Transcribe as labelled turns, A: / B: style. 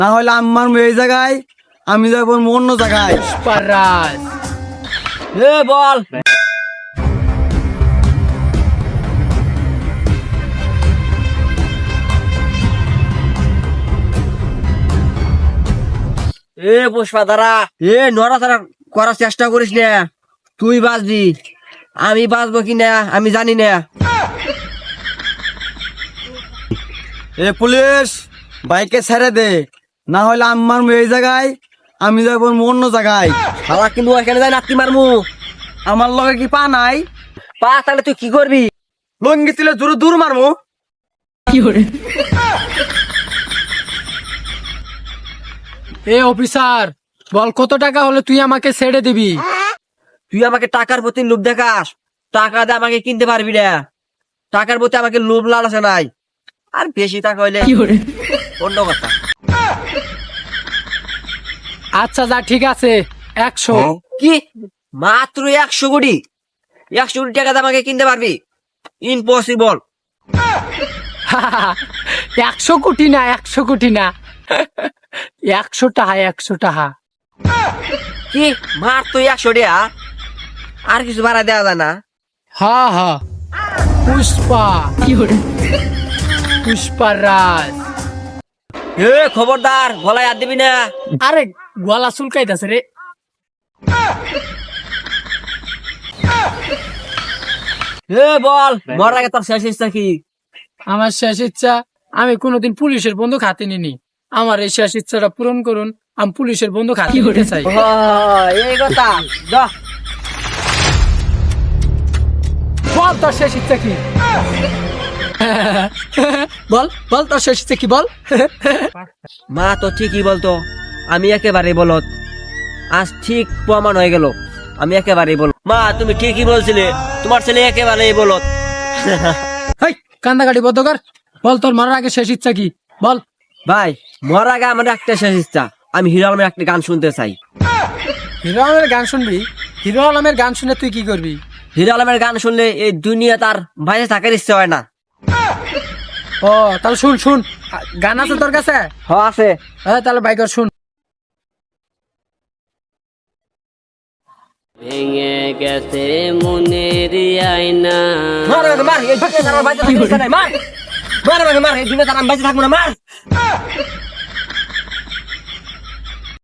A: না হলে আমার এই জায়গায়, আমি যাবো অন্য জায়গায়।
B: পারাস
C: বল। পুষ্পা দাঁড়া, নড়াচড়া করার চেষ্টা করিস না। তুই বাঁচবি, আমি বাঁচবো কিনা আমি জানি না।
A: পুলিশ, বাইকে ছেড়ে দে, না হলে আমার এই জায়গায়, আমি যাবো অন্য জায়গায়।
C: শালা কিন্তু এখানে যাই নাতি মারমু।
A: আমার লগে কি পা নাই?
C: পা তাহলে তুই কি করবি?
A: লঙ্গি তুলে দূর দূর মারমু।
B: অফিসার, বল কত টাকা হলে তুই আমাকে ছেড়ে দিবি?
C: তুই আমাকে টাকার প্রতি লোভ দেখাস, টাকা দিয়ে আমাকে কিনতে পারবি না। টাকার প্রতি আমাকে লোভ লালসে নাই। আর বেশি টাকা হইলে অন্য কথা।
B: আচ্ছা যা, ঠিক আছে, 100।
C: কি মাত্র 100 কোটি? 100 কোটি টাকা দিয়ে আমাকে কিনতে পারবি? ইম্পসিবল।
B: 100 কোটি না, 100 কোটি না, 100 টাকা, 100 টাকা।
C: কি মাত্র 100 টাকা? আর কিছু ভাড়া দেওয়া যায় না?
B: হ্যাঁ হ্যাঁ, পুষ্পা, পুষ্পার রাজ।
C: খবরদার, গলায় হাত দিবি না।
B: আরে গলা চুলকাইতেছে রে।
C: বল, মরার আগে তোর শেষ ইচ্ছা কি?
B: আমার শেষ ইচ্ছা, আমি কোনোদিন পুলিশের বন্দুক হাতে নিনি। আমার এই শেষ ইচ্ছাটা পূরণ করুন, আমি পুলিশের বন্দুক হাতে নিতে চাই।
C: এই কথা, যা।
B: বল তোর শেষ ইচ্ছা কি? বল বল তোর শেষ ইচ্ছা কি, বল।
C: মা তো ঠিকই বলতো, আমি একেবারে বলত। আজ ঠিক প্রমাণ হয়ে গেল, আমি একেবারে বল। মা তুমি ঠিকই বলছিলে, তোমার ছেলে একেবারেই বলত।
B: হেই, কান্দাকাটি বদ্ধ কর। বল তোর মরার আগে শেষ ইচ্ছা কি, বল।
C: ভাই, মরার আগে আমার একটা শেষ ইচ্ছা, আমি হিরো আলমের একটা গান শুনতে চাই।
B: হিরো আলমের গান শুনবি? হিরো আলমের গান শুনে তুই কি করবি?
C: হিরো আলমের গান শুনলে এই দুনিয়া তার বাইরে থাকার ইচ্ছে হয় না।
B: ও তাহলে শুন শুন, গান আছে তোর কাছে?
C: হ্যাঁ আছে।
B: হ্যাঁ তাহলে বাইকর শুন।
D: ভেঙে গেছে মনের আয়না।
C: মার, এই দুনিয়া তার বাইরে থাকার ইচ্ছা নাই, মার। মার, এই দুনিয়া তার আমি বাইরে থাকবো না, মার।